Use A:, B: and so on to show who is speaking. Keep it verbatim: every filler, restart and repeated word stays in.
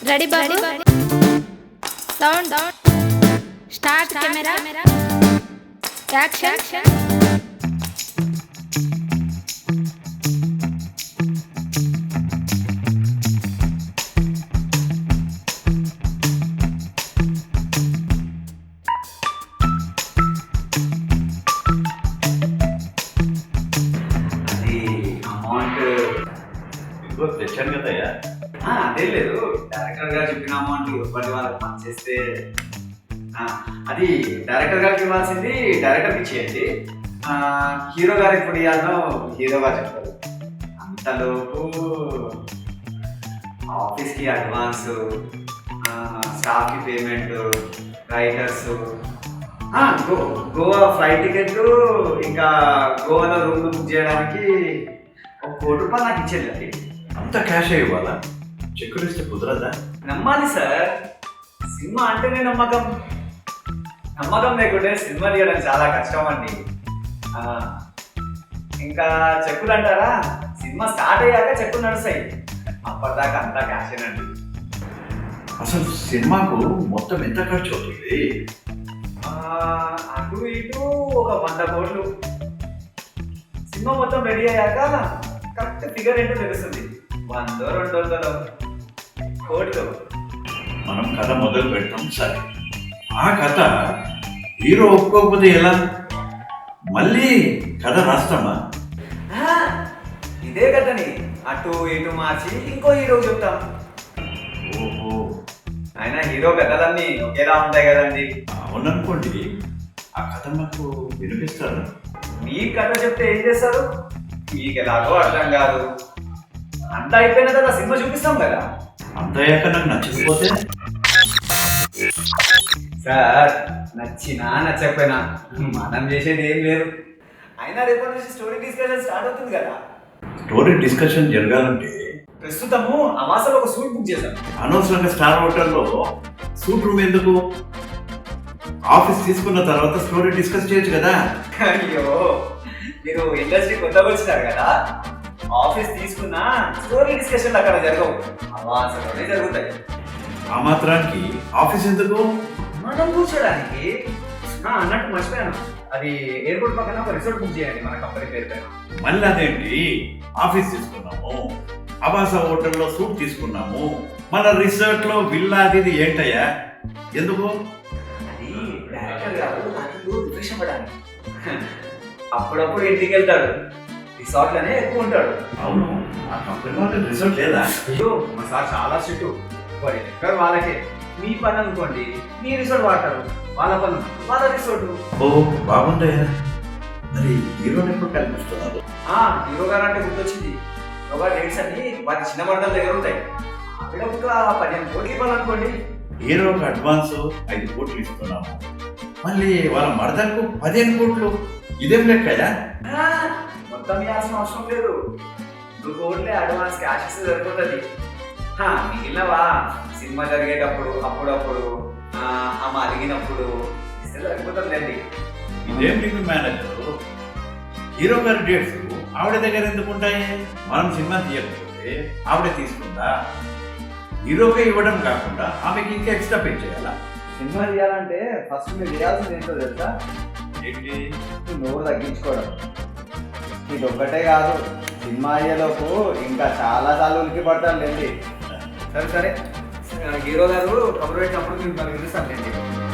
A: Ready బాబు sound start camera action
B: తెచ్చాను కదయ్యా.
C: అదే లేదు, డైరెక్టర్ గారు చెప్పిన అమౌంట్ ఇవ్వండి వాళ్ళకి పని చేస్తే అది డైరెక్టర్ గారికి ఇవ్వాల్సింది డైరెక్టర్కి ఇచ్చేయండి. హీరో గారు ఎప్పుడు ఇవ్వాలో హీరో గారు చెప్తారు. అంతలోపు ఆఫీస్కి అడ్వాన్స్, స్టాఫ్కి పేమెంట్, రైటర్స్, గో గోవా ఫ్లైట్ టికెట్లు, ఇంకా గోవాలో రూమ్ బుక్ చేయడానికి ఒక కోటి రూపాయలు నాకు ఇచ్చేది.
B: అంత క్యాష్ ఇవ్వాలా? చెక్కులు ఇస్తే కుదరదా?
C: నమ్మాలి సార్, సినిమా అంటేనే నమ్మకం. నమ్మకం లేకుంటే సినిమా తీయడం చాలా కష్టం అండి. ఇంకా చెక్కులు అంటారా, సినిమా స్టార్ట్ అయ్యాక చెక్కులు నడుస్తాయి, అప్పటిదాకా అంతా క్యాషేనండి.
B: అసలు సినిమాకు మొత్తం ఎంత ఖర్చు అవుతుంది?
C: అటు ఇటు ఒక వంద కోట్లు. సినిమా మొత్తం రెడీ అయ్యాక కరెక్ట్ ఫిగర్ ఏంటో తెలుస్తుంది. వందో రెండు వందలు కోట్లు.
B: మనం కథ మొదలు పెడతాం సరే, ఆ కథ హీరో ఒప్పుకోకపోతే ఎలా? మళ్ళీ కథ రాస్తామా?
C: ఇదే కథని అటు ఇటు మార్చి ఇంకో హీరో చెప్తాం.
B: ఓహో,
C: అయినా హీరో కథలన్నీ ఒకేలా ఉంటాయి కదండి.
B: అవుననుకోండి, ఆ కథ నాకు వినిపిస్తారా?
C: మీ కథ చెప్తే ఏం చేస్తారు? మీకు ఎలాగో అర్థం కాదు. అంతా అయిపోయిన కదా సినిమా చూపిస్తాం కదా.
B: అంత అయ్యాక నాకు నచ్చకపోతే?
C: సార్, నచ్చినా నచ్చకపోయినా మనం చేసేది ఏం లేదు. అయినా రేపటి నుంచి స్టోరీ డిస్కషన్ స్టార్ట్ అవుతుంది కదా.
B: స్టోరీ డిస్కషన్ జరగాలంటే
C: ప్రస్తుతము అమాసలో ఒక సూట్ బుక్ చేశాను.
B: అనవసరంగా స్టార్ హోటల్లో సూట్ రూమ్ ఎందుకు? ఆఫీస్ తీసుకున్న తర్వాత స్టోరీ డిస్కస్ చేయొచ్చు కదా.
C: అయ్యో, మీరు ఇండస్ట్రీ కొత్తగా వచ్చినారు కదా, ఆఫీస్ తీసుకున్నా స్టోరీ డిస్కషన్ అక్కడ జరగవు, అవాసలోనే జరుగుతాయి.
B: ఆ మాత్రానికి ఆఫీస్ ఎందుకు?
C: మనం కూర్చోడానికి. అన్నట్టు మర్చిపోయాను, అది ఎయిర్పోర్ట్ పక్కన ఒక రిసార్ట్ బుక్ చేయండి మన కంపెనీ పేరు పైన.
B: మళ్ళీ అదేంటి, ఆఫీస్ తీసుకున్నాము, అవాస హోటల్లో సూట్ తీసుకున్నాము, మన రిసార్ట్ లో విల్లా అది ఏంటయ్యా ఎందుకు?
C: అది డైరెక్టర్ గారు నాకు రిఫ్రెష్ అవ్వడానికి. అప్పుడప్పుడు ఇంటికి వెళ్తాడు, రిసార్ట్ లోనే ఎక్కువ ఉంటాడు.
B: అవును, ఆ కంపెనీ వాళ్ళకి రిసార్ట్ లేదా?
C: అయ్యో, మా సార్ చాలా స్ట్రిక్ట్. వాడి ఎక్కడ వాళ్ళకే. మీ పని అనుకోండి, మీ రిసార్ట్ వాడతారు, వాళ్ళ పని వాళ్ళ రిసార్ట్.
B: ఓ బాగుందయ్యా. మరి హీరోని ఎప్పుడు కనిపిస్తున్నారు?
C: హీరో గారు అంటే గుర్తొచ్చింది. యోగా డేట్స్ అన్ని వాటి చిన్న మర్దల దగ్గర ఉంటాయి. అక్కడ ఒక పదిహేను కోట్లు ఇవ్వాలనుకోండి.
B: హీరోకి అడ్వాన్స్ ఐదు కోట్లు ఇస్తున్నాము, మళ్ళీ వాళ్ళ మరదలకు పదిహేను కోట్లు, ఇదేం లెక్కయ్యా?
C: మొత్తం ఇవ్వాల్సిన అవసరం లేదు, రెండు కోట్లే అడ్వాన్స్ క్యాష్ ఇస్తే సరిపోతుంది. మిగిలినవా సినిమా జరిగేటప్పుడు అప్పుడప్పుడు ఆమె అడిగినప్పుడు ఇస్తే సరిపోతుందండి.
B: ఇదేం మీకు మేనేజర్, హీరో గారి డేట్స్ ఆవిడ దగ్గర ఎందుకు ఉంటాయి? మనం సినిమా తీయకపోతే ఆవిడ తీసుకుందా? హీరోకే ఇవ్వడం కాకుండా ఆమెకి ఇంకా ఎక్స్ట్రా పే చేయాలా?
C: సినిమా తీయాలంటే ఫస్ట్ మీరు చేయాల్సింది ఏంటో తెలుసా?
B: ఏంటి?
C: నోరు తగ్గించుకోవడం. ఇది ఒక్కటే కాదు, సినిమా అయ్యేలోపు ఇంకా చాలా సార్లు ఉనికి పడతాను లేండి. సరే సరే, హీరో గారు కబురు పెట్టినప్పుడు మీరు పిలుస్తాను లేండి.